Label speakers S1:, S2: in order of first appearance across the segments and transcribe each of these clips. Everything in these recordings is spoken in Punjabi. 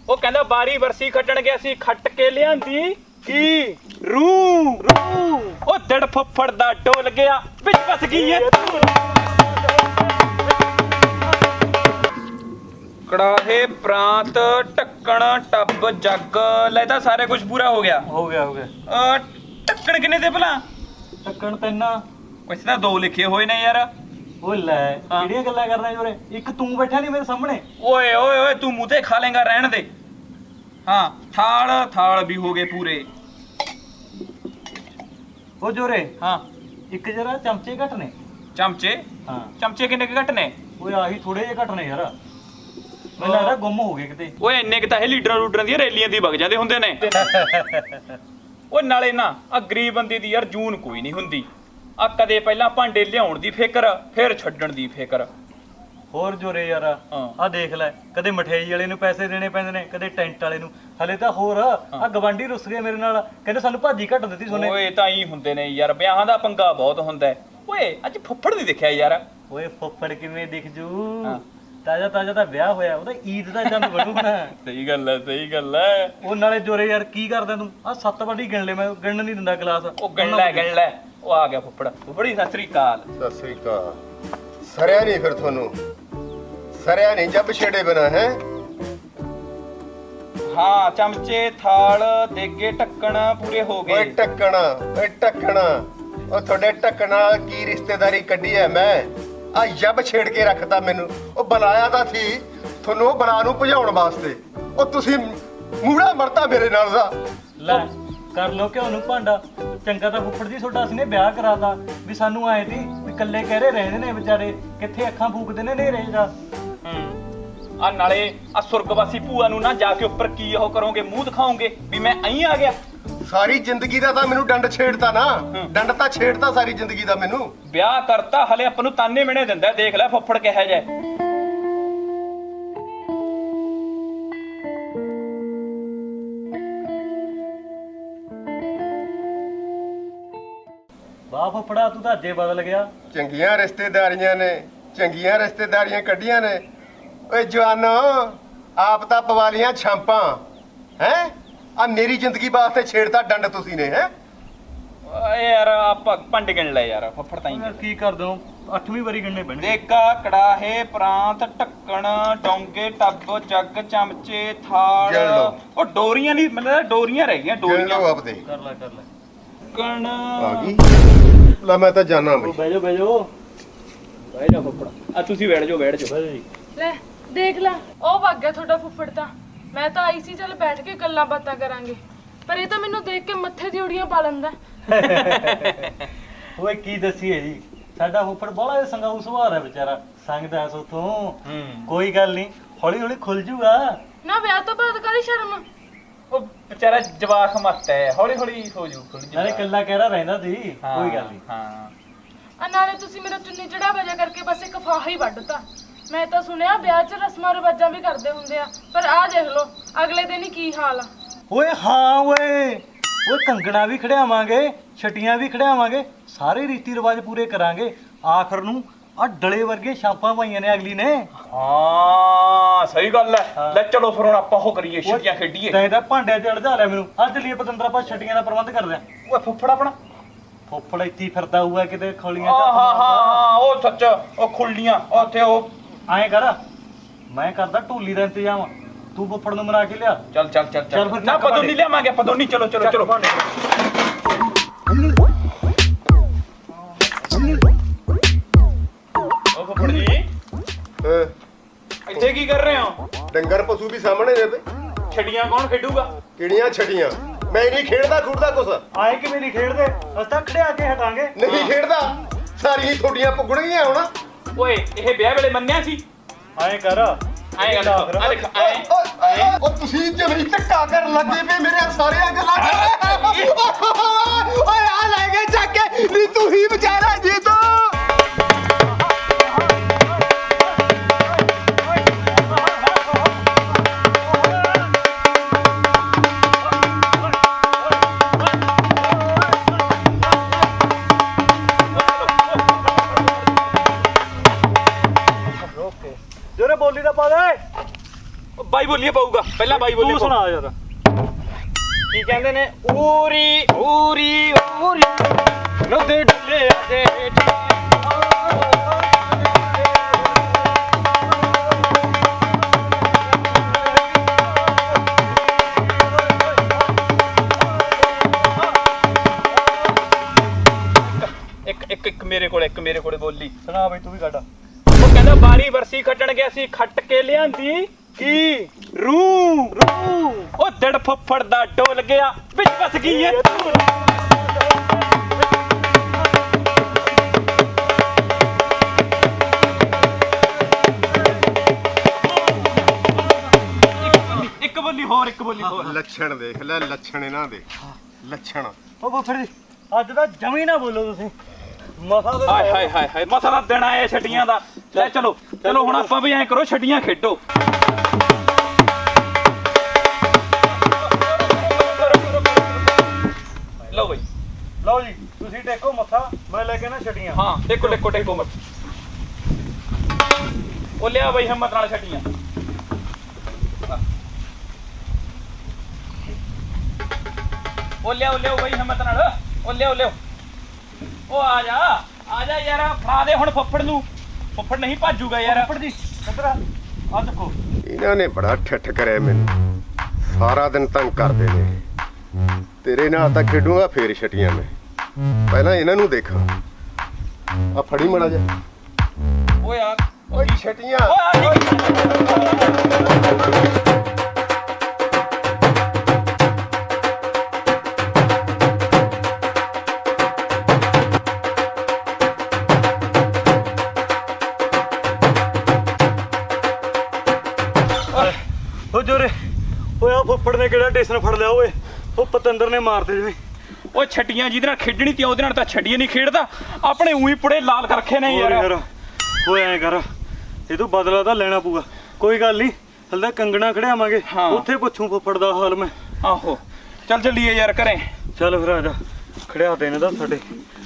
S1: ਉਹ ਕਹਿੰਦਾ ਬਾਰੀ ਵਰਸੀ ਖੱਟਣ ਗਿਆ ਸੀ, ਖੱਟ ਕੇ ਲਿਆਂਦੀ ਕੀ ਰੂ ਉਹ ਦਿੜ ਫੁੱਫੜ ਦਾ ਡੋਲ ਗਿਆ ਵਿੱਚ ਫਸ ਗਈ ਏ ਕੜਾਹੇ ਪ੍ਰਾਂਤ ਢੱਕਣ ਟੱਬ ਜੱਗ ਲੈ ਤਾਂ ਸਾਰੇ ਕੁਝ ਪੂਰਾ ਹੋ ਗਿਆ ਢੱਕਣ ਕਿੰਨੇ ਤੇ ਭਲਾ
S2: ਢੱਕਣ ਤਿੰਨ
S1: ਕੁਛ ਤਾਂ ਦੋ ਲਿਖੇ ਹੋਏ ਨੇ ਯਾਰ
S2: ਓਏ ਲੈ ਕਿਹੜੀਆਂ ਗੱਲਾਂ ਕਰਦਾ ਜੋਰੇ ਇੱਕ ਤੂੰ ਬੈਠਾ ਨਹੀਂ ਮੇਰੇ ਸਾਹਮਣੇ
S1: ਓਏ ਓਏ ਓਏ ਤੂੰ ਮੂੰਹ ਤੇ ਖਾ ਲੇਗਾ ਰਹਿਣ ਦੇ ਹਾਂ ਥਾਲ ਵੀ ਹੋ ਗਏ ਪੂਰੇ
S2: ਓ ਜੋਰੇ
S1: ਹਾਂ
S2: ਇੱਕ ਜਰਾ ਚਮਚੇ ਘੱਟ ਨੇ
S1: ਚਮਚੇ
S2: ਹਾਂ
S1: ਚਮਚੇ ਕਿੰਨੇ ਕੁ ਘੱਟ ਨੇ
S2: ਓਏ ਆਹੀ ਥੋੜੇ ਜਿਹੇ ਘੱਟ ਨੇ ਯਾਰ ਮੈਨੂੰ ਲੱਗਦਾ ਗੁੰਮ ਹੋ ਗਏ ਕਿਤੇ
S1: ਓਏ ਇੰਨੇ ਕਿ ਤਾਂ ਇਹ ਲੀਡਰਾਂ ਦੀਆਂ ਰੈਲੀਆਂ ਦੀ ਵਗ ਜਾਂਦੇ ਹੁੰਦੇ ਨੇ ਓਏ ਨਾਲੇ ਨਾ ਆ ਗਰੀਬ ਬੰਦੇ ਦੀ ਯਾਰ ਜੂਨ ਕੋਈ ਨਹੀਂ ਹੁੰਦੀ ਆ ਕਦੇ ਪਹਿਲਾਂ ਭਾਂਡੇ ਲਿਆਉਣ ਦੀ ਫਿਕਰ ਫਿਰ ਛੱਡਣ ਦੀ ਫਿਕਰ
S2: ਹੋਰ ਜੋਰੇ ਯਾਰ ਆ ਦੇਖ ਲੈ ਕਦੇ ਮਠਿਆਈ ਵਾਲੇ ਨੂੰ ਪੈਸੇ ਦੇਣੇ ਪੈਂਦੇ ਨੇ ਕਦੇ ਟੈਂਟ ਵਾਲੇ ਨੂੰ ਹਲੇ ਤਾਂ ਹੋਰ ਆ ਗਵਾਂਢੀ ਰੁੱਸ ਗਏ ਮੇਰੇ ਨਾਲ ਕਹਿੰਦੇ ਸਾਨੂੰ ਭਾਜੀ ਘੱਟ ਦਿੱਤੀ ਸੋਨੇ
S1: ਓਏ ਤਾਂ ਹੀ ਹੁੰਦੇ ਨੇ ਯਾਰ ਵਿਆਹਾਂ ਦਾ ਪੰਗਾ ਬਹੁਤ ਹੁੰਦਾ ਓਏ ਅੱਜ ਫੁੱਫੜ ਨਹੀਂ ਦਿਖਿਆ ਯਾਰ
S2: ਓਏ ਫੁੱਫੜ ਕਿਵੇਂ ਦਿਖ ਜੂ ਤਾਜ਼ਾ ਤਾਂ ਵਿਆਹ ਹੋਇਆ ਉਹਦਾ ਈਦ ਦਾ ਚੰਦ ਬਣੂ ਨਾ
S1: ਸਹੀ ਗੱਲ ਹੈ
S2: ਉਹ ਨਾਲੇ ਜੋਰੇ ਯਾਰ ਕੀ ਕਰਦਾ ਤੂੰ ਆ 7 ਵਾਰੀ ਗਿਣ ਲੈ ਮੈਂ ਗਿਣਨ ਨਹੀਂ ਦਿੰਦਾ ਗਲਾਸ
S1: ਉਹ ਗਿਣ ਲੈ ਉਹ ਆ ਗਿਆ ਫੁੱਫੜੀ ਸਤਿ ਸ੍ਰੀ ਅਕਾਲ
S3: ਸਰਿਆ ਨਹੀਂ ਫਿਰ ਤੁਹਾਨੂੰ ਸਰਿਆ ਨਹੀਂ ਜੱਬ ਛੇੜੇ ਬਣਾ ਹੈ
S1: ਹਾਂ ਚਮਚੇ ਥਾਲ ਦੇਗੇ ਢੱਕਣ ਪੂਰੇ ਹੋ ਗਏ
S3: ਓਏ ਢੱਕਣਾ ਉਹ ਤੁਹਾਡੇ ਢੱਕਣ ਨਾਲ ਕੀ ਰਿਸ਼ਤੇਦਾਰੀ ਕੱਢੀ ਐ ਮੈਂ ਆ ਜੱਬ ਛੇੜ ਕੇ ਰੱਖਤਾ ਮੈਨੂੰ ਉਹ ਬੁਲਾਇਆ ਤਾਂ ਸੀ ਤੁਹਾਨੂੰ ਉਹ ਬਲਾ ਨੂੰ ਭਜਾਉਣ ਵਾਸਤੇ ਉਹ ਤੁਸੀਂ ਮੂੜਾ ਮਰਤਾ ਮੇਰੇ ਨਾਲ ਦਾ
S2: ਲੈ ਕਰ ਲੋ ਕਿ ਉਹਨੂੰ ਭਾਂਡਾ ਚੰਗਾ ਤਾਂ ਫੁੱਫੜ ਜੀ ਤੁਹਾਡਾ ਅਸੀਂ ਨੇ ਵਿਆਹ ਕਰਾਤਾ ਵੀ ਸਾਨੂੰ ਆਏ ਸੀ ਵੀ ਇਕੱਲੇ ਕਹਿਰੇ ਰਹਿੰਦੇ ਨੇ ਵਿਚਾਰੇ ਕਿੱਥੇ ਅੱਖਾਂ ਫੂਕਦੇ ਨੇ ਨੇਰੇ ਦਾ
S1: ਆ ਨਾਲੇ ਆ ਸੁਰਗਵਾਸੀ ਭੂਆ ਨੂੰ ਨਾ ਜਾ ਕੇ ਉੱਪਰ ਕੀ ਉਹ ਕਰੋਗੇ ਮੂੰਹ ਦਿਖਾਓਗੇ ਵੀ ਮੈਂ ਅਹੀਂ ਆ ਗਿਆ
S3: ਸਾਰੀ ਜ਼ਿੰਦਗੀ ਦਾ ਤਾਂ ਮੈਨੂੰ ਡੰਡ ਛੇੜਤਾ ਨਾ ਡੰਡ ਤਾਂ ਛੇੜਤਾ ਸਾਰੀ ਜ਼ਿੰਦਗੀ ਦਾ ਮੈਨੂੰ
S1: ਵਿਆਹ ਕਰਤਾ ਹਲੇ ਆਪਾਂ ਨੂੰ ਤਾਨੇ ਮਿਹਣੇ ਦਿੰਦਾ ਦੇਖ ਲੈ ਫੁੱਫੜ ਕਿਹਾ ਜਾਏ
S2: ਵਾਹ ਫੁੱਫੜਾ ਤੂੰ ਤਾਂ ਅੱਜੇ ਬਦਲ ਗਿਆ
S3: ਚੰਗੀਆਂ ਰਿਸ਼ਤੇਦਾਰੀਆਂ ਕੱਢੀਆਂ ਨੇ ਓਏ ਜਵਾਨੋ ਆਪ ਤਾਂ ਪਵਾਲੀਆਂ ਛਾਂਪਾਂ ਹੈ ਆ ਮੇਰੀ ਜ਼ਿੰਦਗੀ ਵਾਸਤੇ ਛੇੜਤਾ ਡੰਡ ਤੁਸੀਂ ਨੇ ਹੈ
S1: ਓਏ ਯਾਰ ਆਪਾਂ ਪੰਡ ਗਿਣ ਲੈ ਯਾਰ ਫੁੱਫੜ ਤਾਂ ਹੀ
S2: ਕੀ ਕਰ ਦੋ 8ਵੀਂ ਵਾਰੀ ਗਿਣਨੇ ਪੈਣਗੇ
S1: ਦੇਗਾ ਕੜਾਹੇ ਪ੍ਰਾਂਤ ਢੱਕਣ ਡੋਂਗੇ ਟੱਬ ਜੱਗ ਚਮਚੇ ਥਾਲ ਉਹ ਡੋਰੀਆਂ ਨਹੀਂ ਮਤਲਬ ਡੋਰੀਆਂ ਰਹਿ ਗਈਆਂ ਡੋਰੀਆਂ
S3: ਆਪਦੇ
S2: ਕਰ ਲੈ
S1: ਕਣ
S3: ਆ ਗਈ ਲੈ ਮੈਂ ਤਾਂ ਜਾਣਾ ਬਈ
S2: ਬਹਿ ਜਾਓ
S1: ਫੁੱਫੜ ਆ ਤੁਸੀਂ ਬੈਠ ਜਾਓ
S4: ਲੈ ਦੇਖ ਲੈ ਉਹ ਵਗ ਗਿਆ ਤੁਹਾਡਾ ਫੁੱਫੜ ਤਾਂ ਮੈਂ ਤਾਂ ਆਈ ਸੀ ਚੱਲ ਬੈਠ ਕੇ ਗੱਲਾਂ ਬਾਤਾਂ ਕਰਾਂਗੇ ਪਰ ਇਹ ਤਾਂ ਮੈਨੂੰ ਦੇਖ ਕੇ ਮੱਥੇ ਦੀ ਉੜੀਆਂ ਪਾ ਲੈਂਦਾ
S2: ਓਏ ਕੀ ਦੱਸੀਏ ਜੀ ਸਾਡਾ ਫੁੱਫੜ ਬੜਾ ਸੰਗਾਊ ਸੁਭਾਅ ਹੈ ਵਿਚਾਰਾ ਸੰਗਦਾ ਸੋਥੋਂ ਕੋਈ ਗੱਲ ਨਹੀਂ ਹੌਲੀ ਖੁੱਲ ਜੂਗਾ
S4: ਨਾ ਵਿਆਹ ਤੋਂ ਬਾਅਦ ਕਾਹਦੀ ਸ਼ਰਮ
S1: ਉਹ ਵਿਚਾਰਾ ਜਵਾਕ ਮੱਤ ਹੈ ਹੌਲੀ ਹੋ ਜੂ
S2: ਨਾਲੇ ਕੱਲਾ ਕਹਿਰਾ ਰਹਿੰਦਾ ਸੀ ਕੋਈ ਗੱਲ ਨਹੀਂ
S1: ਹਾਂ
S4: ਆ ਨਾਲੇ ਤੁਸੀਂ ਮੇਰਾ ਚੁੰਨੀ ਚੜਾ ਵਜਾ ਕਰਕੇ ਬਸ ਇੱਕ ਫਾਹਾ ਹੀ ਵੱਢਤਾ ਮੈਂ ਤਾਂ ਸੁਣਿਆ ਵਿਆਹ 'ਚ ਰਸਮਾਂ ਰਿਵਾਜਾਂ ਵੀ ਕਰਦੇ ਹੁੰਦੇ ਆ ਪਰ ਆਹ ਦੇਖ ਲਓ ਅਗਲੇ ਦਿਨ ਹੀ ਕੀ ਹਾਲ ਆ
S2: ਓਏ ਹਾਂ ਓਏ ਕੰਗਣਾ ਵੀ ਖੜਿਆਵਾਂਗੇ ਛਟੀਆਂ ਵੀ ਖੜਿਆਵਾਂਗੇ ਸਾਰੇ ਰੀਤੀ ਰਿਵਾਜ ਪੂਰੇ ਕਰਾਂਗੇ ਆਖਰ ਨੂੰ ਆ ਡਲੇ ਵਰਗੇ ਛਾਪਾਂ ਪਾਈਆਂ ਨੇ ਅਗਲੀ ਨੇ
S1: ਹਾਂ ਸਹੀ ਗੱਲ ਹੈ ਲੈ ਚਲੋ ਫਿਰ ਹੁਣ ਆਪਾਂ ਉਹ ਕਰੀਏ ਛਟੀਆਂ ਖੇਡੀਏ
S2: ਤੈਂ ਤਾਂ ਭਾਂਡਿਆਂ 'ਚ ਅੜਜਾ ਲਿਆ ਮੈਨੂੰ ਅੱਜ ਲਈ ਪਤੰਦਰ ਆਪਾਂ ਛਟੀਆਂ ਦਾ ਪ੍ਰਬੰਧ ਕਰਦੇ ਆਂ
S1: ਓਏ ਫੁੱਫੜ ਆਪਣਾ
S2: ਫੁੱਫੜ ਇੱਥੇ ਫਿਰਦਾ ਹੋਊਗਾ ਕਿਤੇ ਖੋਲੀਆਂ
S1: ਹਾਂ ਉਹ ਸੱਚ ਉਹ ਖੁੱਲੀਆਂ ਉੱਥੇ ਉਹ
S2: ਐਂ ਕਰ ਮੈਂ ਕਰਦਾ ਢੋਲੀ ਦਾ ਇੰਤਜ਼ਾਮ ਤੂੰ ਫੁੱਫੜ ਨੂੰ ਮਨਾ ਕੇ ਲਿਆ
S1: ਚੱਲ
S2: ਫਿਰ
S1: ਨਾ ਪਦੋਨੀ ਲਿਆਵਾਂਗੇ ਪਦੋਨੀ ਚਲੋ ਉਹ ਫੁੱਫੜ ਜੀ ਇੱਥੇ ਕੀ ਕਰ ਰਹੇ ਹੋ
S3: ਡੰਗਰ ਪਸ਼ੂ ਵੀ ਸਾਹਮਣੇ ਨੇ ਬਈ
S1: ਛੜੀਆਂ ਕੌਣ ਖੇਡੂਗਾ
S3: ਕਿਹੜੀਆਂ ਛੜੀਆਂ ਮੈਂ ਨਹੀਂ ਖੇਡਦਾ ਖੁੱਡਦਾ ਕੁਛ
S2: ਆਏ ਕਿ ਮੇਰੀ ਖੇਡਦੇ ਅਸਾਂ ਖੜਿਆ ਕੇ ਹਟਾਂਗੇ
S3: ਨਹੀਂ ਖੇਡਦਾ ਸਾਰੀਆਂ ਤੁਹਾਡੀਆਂ ਪੁੱਗਣਗੀਆਂ ਹੁਣ
S1: ਓਏ ਇਹ ਵਿਆਹ ਵੇਲੇ ਮੰਨਿਆ ਸੀ
S2: ਐਂ ਕਰ
S1: ਐਂ ਦੇਖ
S3: ਉਹ ਤੁਸੀਂ ਜਮਰੀ ਧੱਕਾ ਕਰਨ ਲੱਗੇ ਪਏ ਮੇਰੇ ਸਾਰੀਆਂ ਗੱਲਾਂ ਓਏ ਆ ਲੈ ਗਏ ਚੱਕ ਕੇ ਨੀ ਤੂੰ ਹੀ ਵਿਚਾਰਾ ਜੀ ਤੂੰ
S2: ਜੋਰੇ ਬੋਲੀ ਦਾ ਪਾ ਦੇ
S1: ਬਾਈ ਬੋਲੀਏ ਪਊਗਾ ਪਹਿਲਾਂ ਬਾਈ ਬੋਲੀਏ
S2: ਤੂੰ ਸੁਣਾ ਯਾਰ।
S1: ਕੀ ਕਹਿੰਦੇ ਨੇ ਊਰੀ ਊਰੀ ਊਰੀ ਨਦੇ ਡੱਲੇ ਦੇ ਇੱਕ ਮੇਰੇ ਕੋਲੇ ਬੋਲੀ
S2: ਸੁਣਾ ਬਈ ਤੂੰ ਵੀ ਕੱਢ।
S1: ਉਹ ਕਹਿੰਦਾ ਬਾਰੀ ਵਰਸੀ ਖੱਟਣ ਗਿਆ ਸੀ ਖੱਟ ਕੇ ਲਿਆਂਦੀ ਕੀ ਰੂ ਉਹ ਦੜ ਫੱਫੜ ਦਾ ਡੋਲ ਗਿਆ ਵਿੱਚ ਫਸ ਗਈ ਏ ਇੱਕ ਬੋਲੀ ਹੋਰ
S3: ਲੱਛਣ ਦੇਖ ਲੈ, ਲੱਛਣ ਇਹਨਾਂ ਦੇ ਲੱਛਣ।
S2: ਉਹ ਫੁੱਫੜ ਜੀ ਅੱਜ ਤਾਂ ਜਮੀ ਨਾ ਬੋਲੋ ਤੁਸੀਂ। ਮਸਾ ਦੇ
S1: ਹਾਏ ਹਾਏ ਹਾਏ ਮਸਾ ਦਾ ਦਿਨ ਆਇਆ ਛੱਡੀਆਂ ਦਾ। ਲੈ ਚਲੋ ਹੁਣ ਆਪਾਂ ਵੀ ਐਂ ਕਰੋ ਛੱਡੀਆਂ ਖੇਡੋ। ਲਓ ਬਈ
S2: ਲਓ ਜੀ ਤੁਸੀਂ ਟੇਕੋ ਮੱਥਾ, ਮੈਂ ਲੈ ਕੇ ਨਾ ਛੱਡੀਆਂ।
S1: ਹਾਂ ਟੇਕੋ ਮਤ। ਉਹ ਲਿਆ ਬਈ ਹਿੰਮਤ ਨਾਲ ਛੱਡੀਆਂ। ਉਹ ਲਿਆਓ ਬਈ ਹਿੰਮਤ ਨਾਲ। ਉਹ ਲਿਆਓ ਉਹ ਆ ਜਾ ਯਾਰ ਫੜਾ ਦੇ ਹੁਣ ਫੱਫੜ ਨੂੰ। ਫੱਫੜ ਨਹੀਂ ਭਾਜੂਗਾ ਯਾਰ।
S2: ਫੁੱਫੜ ਜੀ ਇੱਧਰ ਆ ਦੇਖੋ।
S3: ਇਹਨਾਂ ਨੇ ਬੜਾ ਠੱਠ ਕਰਿਆ ਮੈਨੂੰ, ਸਾਰਾ ਦਿਨ ਤੰਗ ਕਰਦੇ ਨੇ। ਤੇਰੇ ਨਾਲ ਤਾਂ ਖੇਡੂਗਾ ਫੇਰ ਛਟੀਆਂ ਮੈਂ, ਪਹਿਲਾਂ ਇਹਨਾਂ ਨੂੰ ਦੇਖਾਂ। ਆ ਫੜੀ ਮੜਾ ਜਾ।
S1: ਓਏ ਯਾਰ
S3: ਓਏ ਛਟੀਆਂ।
S1: ਓਏ
S2: ਉਹ ਜੋਰੇ ਓਏ ਆ ਫੁੱਫੜ ਨੇ ਕਿਹੜਾ ਟੇਸ਼ਨ ਫੜ ਲਿਆ ਓਏ। ਉਹ ਪਤੰਦਰ ਨੇ ਮਾਰਦੇ ਜਿਵੇਂ।
S1: ਉਹ ਛੱਡੀਆਂ ਜਿਹਦੇ ਨਾਲ ਖੇਡਣੀ ਤੀ ਉਹਦੇ ਨਾਲ ਤਾਂ ਛੱਡੀਆਂ ਨਹੀਂ ਖੇਡਦਾ। ਆਪਣੇ ਉਹੀ ਪੁੜੇ ਲਾਲ ਕਰ ਰੱਖੇ ਨੇ ਯਾਰ।
S2: ਓਏ ਐਂ ਕਰ, ਇਹ ਤੋਂ ਬਦਲਾ ਤਾਂ ਲੈਣਾ ਪਊਗਾ। ਕੋਈ ਗੱਲ ਨਹੀਂ, ਹਲਦਾ ਕੰਗਣਾ ਖੜਿਆਵਾਂਗੇ, ਉੱਥੇ ਪੁੱਛੂ ਫੁੱਫੜ ਦਾ ਹਾਲ ਮੈਂ।
S1: ਆਹੋ ਚੱਲ ਚੱਲੀਏ ਯਾਰ ਘਰੇ।
S2: ਚੱਲ ਫਿਰ ਆ ਜਾ, ਖੜਿਆ ਦੇ ਨੇ ਤਾਂ ਸਾਡੇ।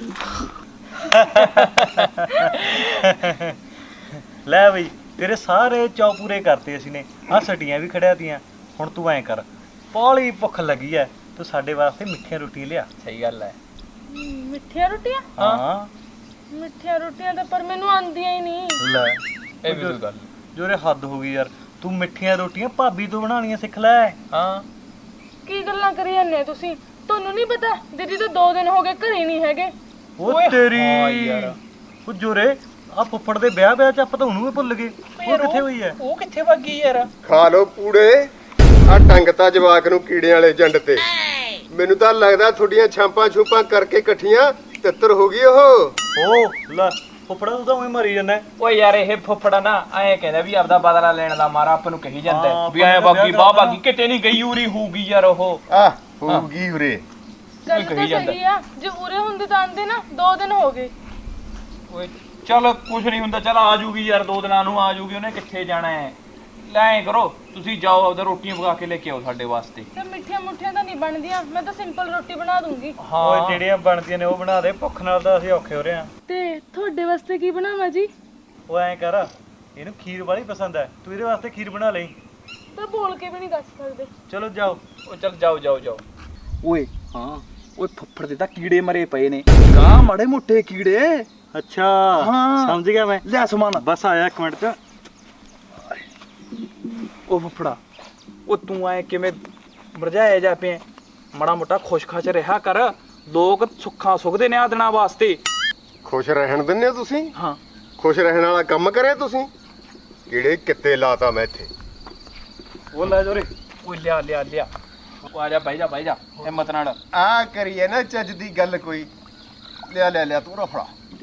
S2: ਲੈ ਬਈ ਤੇਰੇ ਸਾਰੇ ਚੌ ਪੂਰੇ ਕਰਤੇ ਅਸੀਂ ਨੇ। ਆ ਸਟੀਆਂ ਵੀ ਖੜਿਆ ਤੀਆਂ। ਹੁਣ ਤੂੰ ਐਂ ਕਰ, ਪਾਲੀ ਭੁੱਖ ਲੱਗੀ ਐ, ਤੂੰ ਸਾਡੇ ਵਾਸਤੇ ਮਿੱਠੀਆਂ ਰੋਟੀਆਂ ਲਿਆ।
S1: ਸਹੀ ਗੱਲ ਐ।
S4: ਮਿੱਠੀਆਂ ਰੋਟੀਆਂ?
S2: ਹਾਂ
S4: ਮਿੱਠੀਆਂ ਰੋਟੀਆਂ ਤਾਂ ਪਰ ਮੈਨੂੰ ਆਉਂਦੀਆਂ ਹੀ ਨਹੀਂ।
S2: ਲੈ
S1: ਇਹ ਵੀ ਗੱਲ
S2: ਜੋਰੇ ਹੱਦ ਹੋ ਗਈ ਯਾਰ। ਤੂੰ ਮਿੱਠੀਆਂ ਰੋਟੀਆਂ ਭਾਬੀ ਤੋਂ ਬਣਾਉਣੀਆਂ ਸਿੱਖ ਲੈ।
S1: ਹਾਂ
S4: ਕੀ ਗੱਲਾਂ ਕਰੀ ਜਾਂਦੇ ਤੁਸੀਂ? ਤੁਹਾਨੂੰ ਨਹੀਂ ਪਤਾ ਦੀਦੀ ਤਾਂ 2 ਦਿਨ ਹੋ ਗਏ ਘਰੇ ਨਹੀਂ ਹੈਗੇ।
S2: ਉਹ ਤੇਰੀ ਉਹ ਜੋਰੇ ਆ ਫੁੱਫੜ ਦੇ ਵਿਆਹ ਚ ਆਪਾਂ ਤਾਂ ਉਹਨੂੰ ਵੀ ਭੁੱਲ ਗਏ। ਉਹ ਕਿੱਥੇ ਹੋਈ ਐ?
S1: ਉਹ ਕਿੱਥੇ ਵਗ ਗਈ ਯਾਰ?
S3: ਖਾ ਲੋ ਪੂੜੇ। ਆ ਟੰਗਤਾ ਜਵਾਕ ਨੂੰ ਕੀੜਿਆਂ ਵਾਲੇ ਜੰਡ ਤੇ। ਮੈਨੂੰ ਤਾਂ ਲੱਗਦਾ ਤੁਹਾਡੀਆਂ ਛਾਂਪਾਂ ਛੂਪਾਂ ਕਰਕੇ ਇਕੱਠੀਆਂ ਤਿੱਤਰ ਹੋ ਗਈ ਉਹ
S2: ਲੈ ਫੁੱਫੜਾ ਤੂੰ ਤਾਂ ਉਹੀ ਮਰੀ ਜਾਂਦਾ।
S1: ਓਏ ਯਾਰ ਇਹ ਫੁੱਫੜਾ ਨਾ ਐਂ ਕਹਿੰਦਾ ਵੀ ਆਪਦਾ ਬਦਲਾ ਲੈਣ ਦਾ ਮਾਰਾ ਆਪਾਂ ਨੂੰ ਕਹੀ ਜਾਂਦਾ
S2: ਹਾਂ,
S1: ਵੀ ਐਂ ਬਾਗੀ ਬਾਹ ਬਾਗੀ ਕਿਤੇ ਨਹੀਂ ਗਈ ਉਰੀ ਹੋਊਗੀ ਯਾਰ ਉਹ।
S3: ਆ ਹੋਊਗੀ ਉਰੇ।
S4: ਗੱਲ
S1: ਕਹੀ
S4: ਤਾਂ
S1: ਜਾਂਦਾ।
S4: ਸਹੀ ਆ, ਜੇ ਉਰੇ ਹੁੰਦੇ ਤਾਂ ਆਂਦੇ ਨਾ। 2 ਦਿਨ ਹੋ ਗਏ।
S1: ਓਏ ਚਲ ਕੁਛ ਨਹੀਂ ਹੁੰਦਾ, ਚਲ ਆ ਜੂਗੀ ਯਾਰ 2 ਦਿਨਾਂ ਨੂੰ ਆ ਜੂਗੀ। ਉਹਨੇ ਕਿੱਥੇ ਜਾਣਾ ਹੈ? ਲੈ ਐਂ ਕਰੋ ਤੁਸੀਂ ਜਾਓ ਆਪਦਾ ਰੋਟੀਆਂ ਪਕਾ ਕੇ ਲੈ ਕੇ ਆਓ ਸਾਡੇ ਵਾਸਤੇ।
S4: ਤੇ ਮਿੱਠੀਆਂ ਮੁੱਠੀਆਂ ਤਾਂ ਨਹੀਂ ਬਣਦੀਆਂ, ਮੈਂ ਤਾਂ ਸਿੰਪਲ ਰੋਟੀ ਬਣਾ ਦੂੰਗੀ।
S2: ਓਏ ਜਿਹੜੀਆਂ ਬਣਦੀਆਂ ਨੇ ਉਹ ਬਣਾ ਦੇ, ਭੁੱਖ ਨਾਲ ਤਾਂ ਅਸੀਂ ਔਖੇ ਹੋ ਰਹੇ ਆ।
S4: ਤੇ ਤੁਹਾਡੇ ਵਾਸਤੇ ਕੀ ਬਣਾਵਾਂ ਜੀ?
S2: ਉਹ ਐਂ ਕਰ, ਇਹਨੂੰ ਖੀਰ ਵਾਲੀ ਪਸੰਦ ਹੈ, ਤੂੰ ਇਹਦੇ ਵਾਸਤੇ ਖੀਰ ਬਣਾ ਲਈ।
S4: ਤਾਂ ਬੋਲ ਕੇ ਵੀ ਨਹੀਂ ਦੱਸ ਸਕਦੇ।
S2: ਚਲੋ ਜਾਓ।
S1: ਓ ਚਲ ਜਾਓ। ਓਏ ਹਾਂ ਓਏ ਫੁੱਫੜ ਦੇ ਤਾਂ ਕੀੜੇ ਮਰੇ ਪਏ ਨੇ। ਗਾਂ ਮਾੜੇ ਮੋਟੇ ਕੀੜੇ।
S2: ਅੱਛਾ
S1: ਹਾਂ।
S2: ਸਮਝ ਗਿਆ ਮੈਂ।
S1: ਲੈ ਸਮਾਨ
S2: ਬਸ ਆਇਆ 1 ਮਿੰਟ ਚ।
S1: ਉਹ ਫੁੱਫੜਾ ਉਹ ਤੂੰ ਐ ਕਿਵੇਂ ਮਰਜਾਇਆ ਜਾ ਪਿਆ? ਮਾੜਾ ਮੋਟਾ ਖੁਸ਼-ਖਚ ਰਿਹਾ ਕਰ। ਲੋਕ ਸੁੱਖਾਂ ਸੁਖਦੇ ਨੇ ਆ ਦਿਨਾਂ ਵਾਸਤੇ।
S3: ਖੁਸ਼ ਰਹਿਣ ਦਿੰਦੇ ਹੋ ਤੁਸੀਂ?
S1: ਹਾਂ
S3: ਖੁਸ਼ ਰਹਿਣ ਵਾਲਾ ਕੰਮ ਕਰਿਆ ਤੁਸੀਂ? ਕਿਹੜੇ ਕਿੱਤੇ ਲਾਤਾ ਮੈਂ ਇੱਥੇ।
S2: ਉਹ ਲੈ ਜੋਰੇ।
S1: ਓਏ ਲਿਆ ਉਹ ਆ ਜਾ ਬਹਿ ਜਾ ਹਿੰਮਤ ਨਾਲ।
S3: ਆ ਕਰੀਏ ਨਾ ਚੱਜ ਦੀ ਗੱਲ ਕੋਈ। ਲਿਆ ਤੂੰ ਫੜਾ।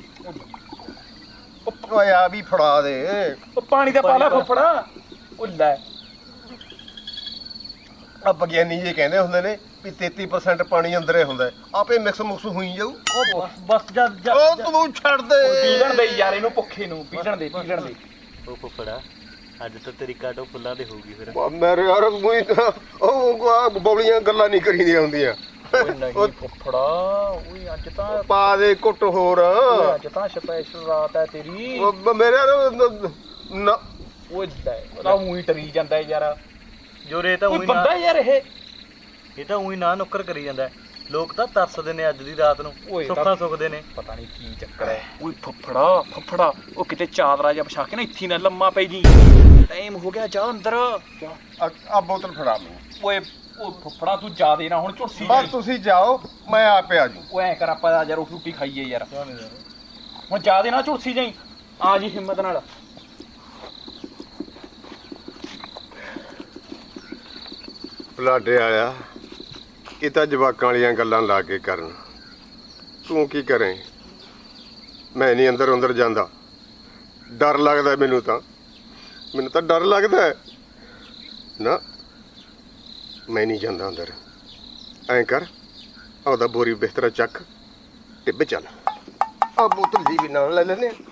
S3: ਓਏ ਆ ਵੀ ਫੜਾ ਦੇ।
S1: ਉਹ ਪਾਣੀ ਦਾ ਪਾ ਲੈ ਫੁੱਫੜਾ। ਉਹ ਲੈ
S3: ਆ ਵਿਗਿਆਨੀ ਜੀ ਕਹਿੰਦੇ ਹੁੰਦੇ ਨੇ ਵੀ 33% ਪਾਣੀ ਅੰਦਰੇ ਹੁੰਦਾ, ਆਪੇ ਮਿਕਸ ਮੁਕਸ ਹੋਈ ਜਾਊ।
S2: ਉਹ ਬਸ ਜਾ
S3: ਉਹ ਤੂੰ ਛੱਡ ਦੇ।
S1: ਪੀੜਨ ਦੇ ਯਾਰ ਇਹਨੂੰ ਭੁੱਖੇ ਨੂੰ ਪੀੜਨ ਦੇ।
S2: ਉਹ ਫੁੱਫੜਾ ਅੱਜ ਤਾਂ ਤੇਰੀ ਕਾਟੋ ਫੁੱਲਾਂ ਦੇ ਹੋਊਗੀ ਫਿਰ।
S3: ਮੇਰੇ ਯਾਰ ਉਹ ਬੌਲੀਆਂ ਗੱਲਾਂ ਨਹੀਂ ਕਰੀਦੀਆਂ ਹੁੰਦੀਆਂ।
S1: ਓਏ ਨਹੀਂ ਫੁੱਫੜਾ ਓਏ ਅੱਜ ਤਾਂ
S3: ਪਾ ਦੇ ਕੁੱਟ ਹੋਰ।
S1: ਅੱਜ ਤਾਂ ਸਪੈਸ਼ਲ ਰਾਤ ਹੈ ਤੇਰੀ।
S3: ਮੇਰੇ ਯਾਰ ਨਾ
S1: ਓਏ ਲੈ ਉਹਦਾ ਮੂੰਹ ਹੀ ਟਰੀ ਜਾਂਦਾ ਯਾਰ।
S2: ਜੋਰੇ ਤਾਂ
S1: ਕੋਈ
S2: ਉਹੀ
S1: ਬੰਦਾ
S2: ਨਾ
S1: ਯਾਰ
S2: ਇਹ ਤਾਂ ਉਹੀ ਨਾ ਨੁੱਕਰ ਕਰੀ ਜਾਂਦਾ ਲੋਕ ਤਾਂ ਤਰਸਦੇ ਨੇ ਅੱਜ ਦੀ ਰਾਤ ਨੂੰ
S1: ਓਏ ਤਾਂ-
S2: ਸੁੱਖਾਂ ਸੁੱਖਦੇ ਨੇ
S1: ਪਤਾ ਨਹੀਂ ਕੀ ਚੱਕਰ ਹੈ ਓਏ ਫੱਫੜਾ ਉਹ ਕਿਤੇ ਚਾਦਰਾ ਜਿਹਾ ਵਿਛਾ ਕੇ ਨਾ ਇੱਥੇ ਨਾ ਲੰਮਾ ਪੈ ਜੀ ਟਾਈਮ ਹੋ ਗਿਆ ਜਾ ਅੰਦਰ
S3: ਆ ਬੋਤਲ ਫੜਾ ਮੈਨੂੰ
S1: ਓਏ ਉਹ ਫੱਫੜਾ ਤੂੰ ਜਾ ਦੇ ਨਾ ਹੁਣ ਝੁਰਸੀ
S3: ਬਸ ਤੁਸੀਂ ਜਾਓ ਮੈਂ ਆਪੇ ਆ ਜੂ
S1: ਓਏ ਐ ਕਰ ਆਪਾਂ ਯਾਰ ਰੋਟੀ ਰੂਟੀ ਖਾਈਏ ਯਾਰ ਹੁਣ ਜਾ ਦੇ ਨਾ ਝੁਰਸੀ ਜਾਈ ਆ ਜੀ ਹਿੰਮਤ ਨਾਲ
S3: ਬਲਾਡੇ ਆਇਆ ਇਹ ਤਾਂ ਜਵਾਕਾਂ ਵਾਲੀਆਂ ਗੱਲਾਂ ਲਾ ਕੇ ਕਰਨ ਤੂੰ ਕੀ ਕਰੇ ਮੈਂ ਨਹੀਂ ਅੰਦਰ ਜਾਂਦਾ ਡਰ ਲੱਗਦਾ ਮੈਨੂੰ ਤਾਂ ਡਰ ਲੱਗਦਾ ਹੈ। ਨਾ ਮੈਂ ਨਹੀਂ ਜਾਂਦਾ ਅੰਦਰ ਐਂ ਕਰ ਆਪਦਾ ਬੋਰੀ ਬਿਸਤਰਾ ਚੱਕ ਟਿੱਬੇ ਚੱਲ ਆ ਬੋਤਲ ਜੀ ਵੀ ਨਾਲ ਲੈ ਲੈਨੇ